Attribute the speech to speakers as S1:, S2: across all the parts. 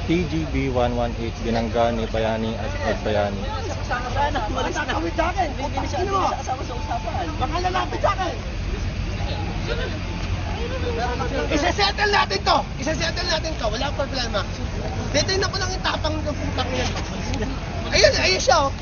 S1: TGB 118 Binanggani, Bayani at Agbayani.
S2: Sana, umalis na. Nakakawit sa akin. Hindi siya kasama sa usapan. Baka lalapit sa akin. Isa-settle natin to. Isa-settle natin to. Walang problema. Titignan ko lang yung tapang ng putang niya. Ayun, ayun siya oh.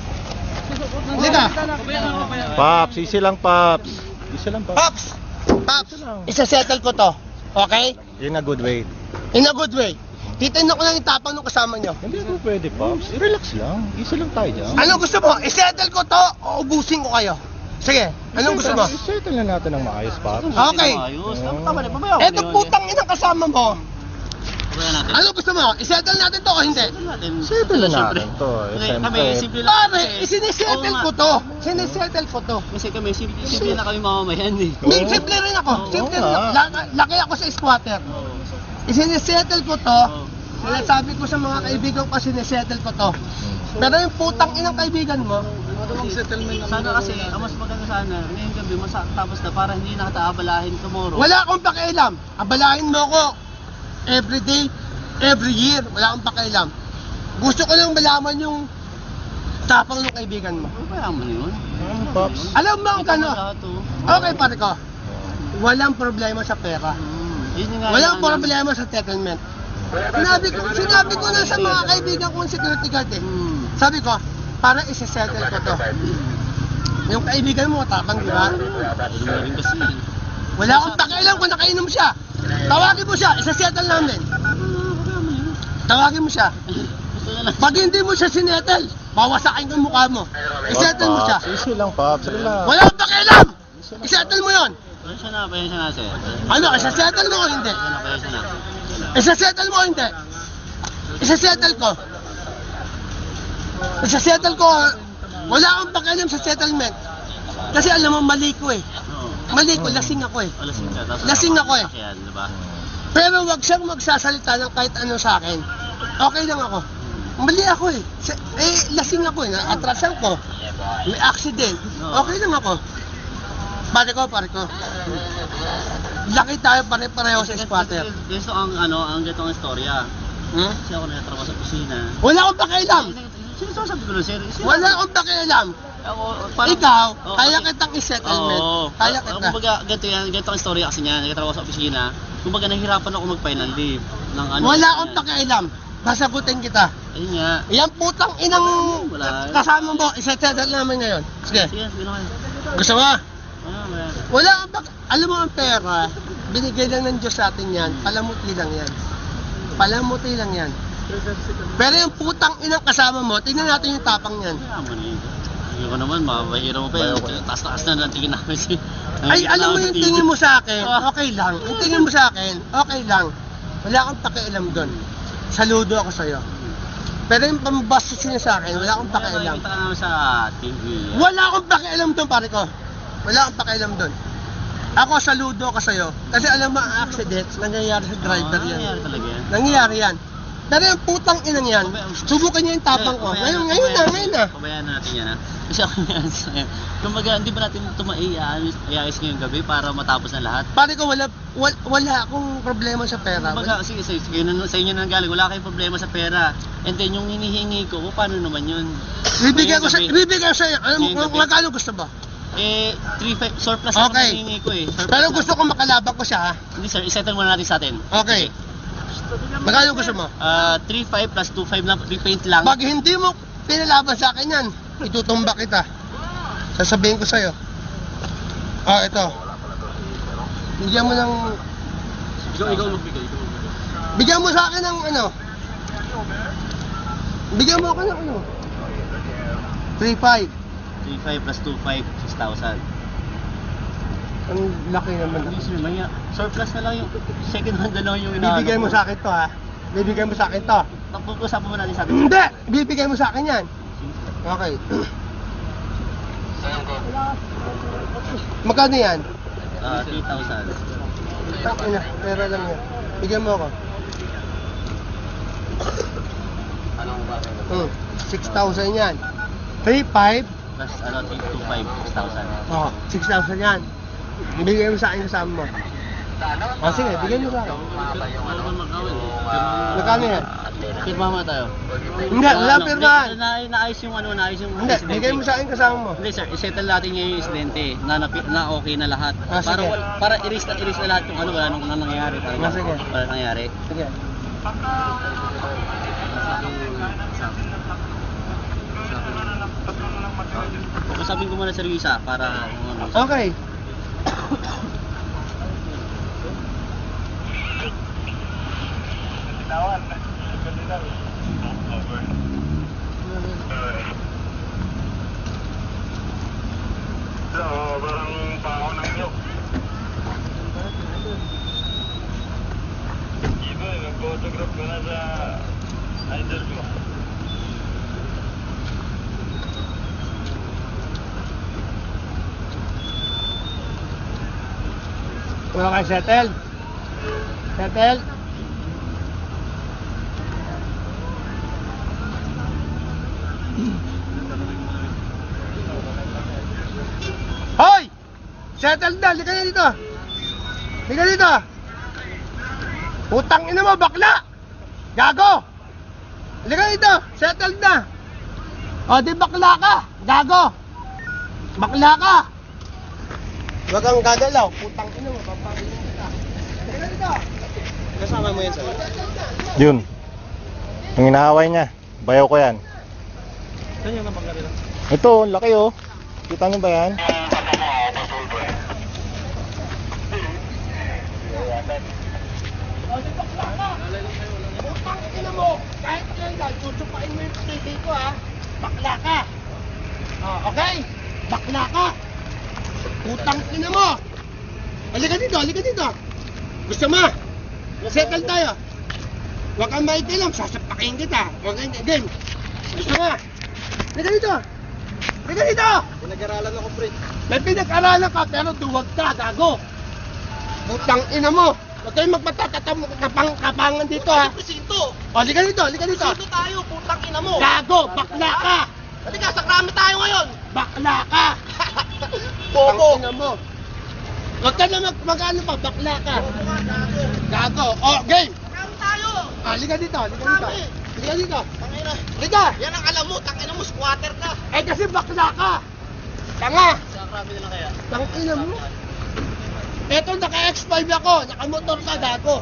S2: Liga.
S1: Paps, easy lang Paps. Easy lang Paps.
S2: Pops! Pops! Isa-settle ko to. Okay?
S1: In a good way.
S2: In a good way. Titignan ko lang yung tapang ng kasama nyo.
S1: Hindi ako pwede Paps. I-relax lang. Easy lang tayo dyan.
S2: Anong gusto mo? I-settle ko to o ubusin ko kayo? Sige, anong gusto mo?
S1: I-settle na natin ng maayos Paps.
S2: Okay.
S3: Ayos. Tama na, mamaya.
S2: Eto putang inang kasama mo.
S3: Mamaya natin.
S2: Ano gusto mo? I-settle natin to o hindi?
S1: Settle na natin to.
S3: Kami, simple lang.
S2: Pare, isinisettle ko to. Sinisettle ko to.
S3: Kasi kami, simple na kami mamamayan eh.
S2: May simple rin ako. Simple rin ako. Laki ako sa squatter. Isinisettle ko to. Sinasabi ko sa mga kaibigan ko, sinisettle ko to. Pero yung putang inang kaibigan mo,
S3: Sana kasi, ang mas maganda sana, ngayong gabi, tapos na para hindi na kita abalahin tomorrow.
S2: wala akong pakialam. Abalahin mo ko every day, every year. Wala akong pakialam. Gusto ko lang malaman yung tapang ng kaibigan mo.
S3: Ano kaya mo na yun?
S1: Paps.
S2: Alam mo ang kano?
S3: Lahat, oh.
S2: Okay pare ko. Walang problema sa pera.
S3: Yun yung nga
S2: Walang
S3: yung-
S2: problema sa settlement. Sinabi ko na sa mga kaibigan kong security guard eh. Sabi ko, para isa-settle ko to. Yung kaibigan mo, tapang di ba?
S3: Yun na rin kasi.
S2: Wala akong pakialam kung nakainom siya. Tawagin mo siya, isa-settle namin. Tawagin mo siya.
S3: Gusto na lang.
S2: Pag hindi mo siya sinettle, bawasakin ko yung mukha mo. I-settle mo siya.
S1: Paps, easy lang Paps. Relax.
S2: Wala akong pakialam! I-settle mo yon.
S3: Pasensya na, sir.
S2: Ano, isa-settle mo o hindi?
S3: Pasensya na.
S2: Isa-settle mo o hindi? Isa-settle ko. Isa-settle ko. Wala akong pakialam sa settlement. Kasi alam mo, mali ko eh.
S3: Oo.
S2: Mali ko, lasing ako eh.
S3: Lasing ka. Tapos
S2: Lasing ako eh.
S3: Sakyan, diba?
S2: Pero wag siyang magsasalita ng kahit ano sa akin. Okay lang ako. Mali ako eh. Lasing ako eh. Atrasan ko. May accident. Okay lang ako. Pare ko. Laki tayo pare-pareho sa squatter.
S3: Gusto ang ganitong istorya.
S2: Hmm?
S3: Kasi ako nagtatrabaho sa kusina.
S2: Wala akong pakialam.
S3: Sinasabi ko lang, sir.
S2: Wala akong pakialam.
S3: Ako,
S2: Ikaw,
S3: Oo,
S2: kaya
S3: kasi-
S2: kitang i-settlement.
S3: Oo.
S2: Kaya kita.
S3: Kumbaga, ganito ang istorya kasi niya. Nagtatrabaho sa opisina. Kumbaga, nahihirapan ako mag-file ng leave. Ng
S2: Wala akong pakialam. Sasagutin kita.
S3: Ayun nga.
S2: Yan putang inang
S3: Wala.
S2: kasama mo, i-settle namin ngayon. Sige.
S3: Sige, naman.
S2: Gusto mo?
S3: Wala.
S2: Wala akong alam mo ang pera, binigay lang ng Diyos sa atin yan, palamuti lang yan. Palamuti lang yan. Pero yung putang inang kasama mo, tingnan natin yung tapang yan.
S3: Kaya mo na yun. Hindi ko naman, makapahira mo pa yun. Taas-taas na ng tingin namin si...
S2: Ay, alam mo yung tingin mo sa akin, okay lang. Yung tingin mo sa akin, okay lang. Wala akong pakialam doon. Saludo ako sa'yo. Pero yung pambastos niya sa akin, wala akong pakialam.
S3: Kita ka naman sa TV.
S2: Wala akong pakialam doon, pare ko. Wala akong pakialam doon. Ako, saludo ako sa'yo. Kasi alam mo, ang accidents, nangyayari sa driver yan.
S3: Nangyayari talaga yan.
S2: Nangyayari yan. Pero yung putang inang yan, subukan niya yung tapang ko. Ngayon na.
S3: Pabayaan na natin yan ha. Kasi ako yan sa'yo. Kumbaga, hindi ba natin ito maiayos ngayong gabi para matapos na lahat?
S2: Pare ko, wala akong problema sa pera.
S3: Kumbaga, sige, sa inyo na galing, wala kayong problema sa pera. And then, yung hinihingi ko, paano naman yun?
S2: Bibigyan ko
S3: Ngayong gabi,
S2: sa'yo. Alam mo,
S3: Ngayong gabi.
S2: magkano gusto mo?
S3: 3.5 surplus ang
S2: Okay.
S3: hinihingi ko eh. Surplus
S2: Pero
S3: na.
S2: gusto ko makalabang ko siya, ha?
S3: Hindi sir, isettle muna natin sa atin.
S2: Okay. Magkano gusto mo?
S3: 3.5 plus 2.5 na repaint lang.
S2: Pag hindi mo pinalaban sa akin yan, itutumba kita. Sasabihin ko sa'yo. Ito. Bigyan mo ng...
S3: Ikaw magbigay.
S2: Bigyan mo sa akin ng ano? Bigyan mo ako ng ano? 3.5.
S3: 3.5 plus 2.5, 6,000.
S2: Ang laki naman.
S3: Please, may surplus na lang yung second hand na lang yung
S2: Bibigay mo sa akin to, ha? Bibigay mo sa akin to.
S3: Pag-usapan mo natin sa atin.
S2: Hindi! Bibigay mo sa akin yan. Okay. Magkano yan?
S3: 3,000.
S2: Ina, pera lang yan. Bigyan mo ako.
S3: Anong ba?
S2: 6,000 yan. 3,500.
S3: Plus 3.25, 6,000.
S2: Oh, 6,000 yan. Bigay mo sa akin kasama mo. Sige, bigyan mo sa akin.
S3: Ano ba magkawin?
S2: Magkano yan?
S3: Pirma mo tayo.
S2: Hindi, wala pirmahan.
S3: Naayos yung
S2: Hindi, bigay mo sa akin kasama mo.
S3: Hindi sir, isettle natin yung insidente na okay na lahat.
S2: Ah,
S3: Para
S2: sige.
S3: para iris na lahat yung wala nang nangyayari talaga.
S2: Ah, sige.
S3: Wala nangyayari.
S2: Sige.
S3: Pagkasabing ko muna sir yung isa para
S2: Okay. Okay, settle. Settle. Hoy! Settle na, lika na dito. Lika dito. Utang ina mo, bakla! Gago! Lika dito, settle na. O, di bakla ka, gago! Bakla ka! Huwag kang gagalaw, putang ina mo, papakilin kita. Lika dito. Kasama mo yan sa'yo.
S1: Yun. Ang inaaway niya. Bayaw ko yan.
S2: Saan yung napagkarila?
S1: Ito, ang laki oh. Kita niyo ba yan?
S2: O, di bakla ka! Putang ina mo, kahit kailan, tutupain mo yung TV ko ha. Bakla ka! O, okay? Bakla ka! Putang ina mo! Halika dito, halika dito! Gusto mo? Settle tayo! Huwag kang maikilam, sasapakin kita! Huwag kang game! Gusto mo? Halika dito! Halika dito! Pinag-aralan ako, pre. May pinag-aralan ka, pero duwag ka, gago! Putang ina mo! Huwag kayong magpatatapangan dito ha!
S4: Presinto!
S2: O, halika dito, halika dito!
S4: Presinto tayo, putang ina mo!
S2: Gago! Bakla ka!
S4: Halika, sa krami tayo ngayon!
S2: Bakla ka!
S4: Bobo!
S2: Ang ina mo. Huwag ka na mag-ano pa, bakla ka. Gago. Oh, game.
S4: Krami tayo!
S2: Liga dito, liga dito. Liga dito.
S4: Tangina.
S2: Liga.
S4: Yan ang alam mo, tangina mo, squatter ka!
S2: Eh kasi bakla ka. Tanga.
S3: sa krami na lang kaya.
S2: Tangina mo. Eto, naka-X5 ako. Naka-motor ka, gago.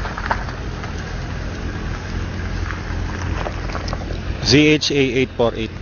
S1: ZHA 848.